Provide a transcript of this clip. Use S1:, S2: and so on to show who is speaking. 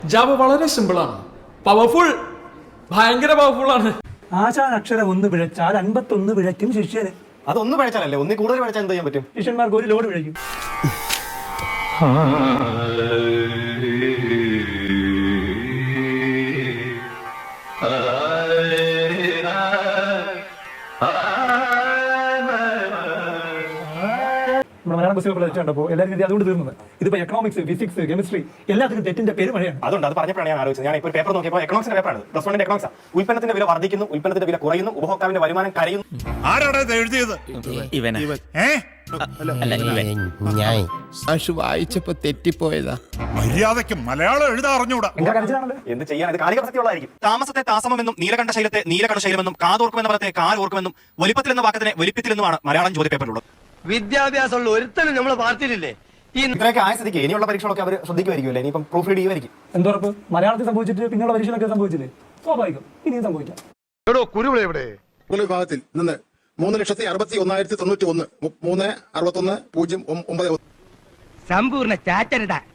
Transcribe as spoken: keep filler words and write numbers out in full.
S1: Java വളരെ simple ആണ്, powerful, ഭയങ്കര പവർഫുൾ ആണ്.
S2: ആശാൻ അക്ഷരം ഒന്ന് പിഴച്ചാൽ അൻപത്തൊന്ന് പിഴയ്ക്കും ശിഷ്യന്.
S3: അതൊന്ന് പിഴച്ചാലല്ലേ, ഒന്നിൽ കൂടുതൽ പിഴച്ചാൽ എന്ത് ചെയ്യാൻ പറ്റും?
S2: ശിഷ്യന്മാർക്ക് ഒരു ലോഡ് പിഴയ്ക്കും. മലയാളം ബസ്സിൽ പഠിച്ചുണ്ടപ്പോൾ എല്ലാവരും ഇത് അതുകൊണ്ട് തീർന്നത്. ഇതിപ്പോ എക്കണോമിക്സ്, ഫിസിക്സ്, കെമിസ്ട്രി എല്ലാത്തിനും തെറ്റിന്റെ പേര് മഴയാണ്.
S3: അതുകൊണ്ട് അത് പറഞ്ഞപ്പോഴാണ് ഞാൻ ആലോചിച്ചത്. ഞാൻ ഇപ്പോൾ പേപ്പർ നോക്കിയപ്പോൾ എക്കണോമിക്സിന്റെ പേപ്പറാണ്, പ്ലസ് വണ്ണിന്റെ എക്കണോമിക്സ്. ഉൽപ്പന്നത്തിന്റെ വില വർദ്ധിക്കുന്നു, ഉൽപ്പന്നത്തിന്റെ വില കുറയുന്നു, ഉപഭോക്താവിന്റെ വരുമാനം കരയുന്നു.
S4: ആരാണ് എഴുതിയത്?
S5: വായിച്ചപ്പോ തെറ്റിപ്പോയതാ.
S4: മര്യാദയ്ക്ക് മലയാളം എഴുതാൻ അറിഞ്ഞൂടാ.
S3: എന്ത് ചെയ്യാൻ? ഇത് കാലിക പ്രസക്തിയുള്ളതായിരിക്കും. താമസത്തെ താമസമെന്നും നീലകണ്ഠ ശൈലത്തെ നീലകണ്ഠ ശൈലമെന്നും കാതോർക്കുമെന്ന പദത്തെ കാലോർക്കുമെന്നും വലിപ്പത്തിൽ എന്ന വാക്കത്തിനെ വലിപ്പത്തിലെന്നുമാണ് മലയാളം ചോദ്യ പേപ്പറിലുള്ളത്.
S6: വിദ്യാഭ്യാസമുള്ള ഒരുത്തനും നമ്മളെ പാർട്ടിയിലില്ലേ?
S3: ഇത്രയൊക്കെ ആയ സ്ഥിതിക്ക് ഇനിയുള്ള പരീക്ഷകളൊക്കെ അവർ ശ്രദ്ധിക്കുമായിരിക്കുമല്ലേ? ഇനിയിപ്പം പ്രൂഫ് റീഡ് ചെയ്യുമായിരിക്കും.
S2: എന്തോറപ്പ്? മലയാളത്തിൽ സംഭവിച്ചിട്ട് പിന്നെയുള്ള പരീക്ഷകളൊക്കെ സംഭവിച്ചില്ലേ? സ്വാഭാവികം, ഇനിയും സംഭവിക്കാം.
S7: വിഭാഗത്തിൽ നിന്ന് മൂന്ന് ലക്ഷത്തി അറുപത്തി ഒന്നായിരത്തി തൊണ്ണൂറ്റി ഒന്ന് മൂന്ന് അറുപത്തി ഒന്ന് പൂജ്യം ഒമ്പത്
S6: സമ്പൂർണ്ണ ചാറ്റരുട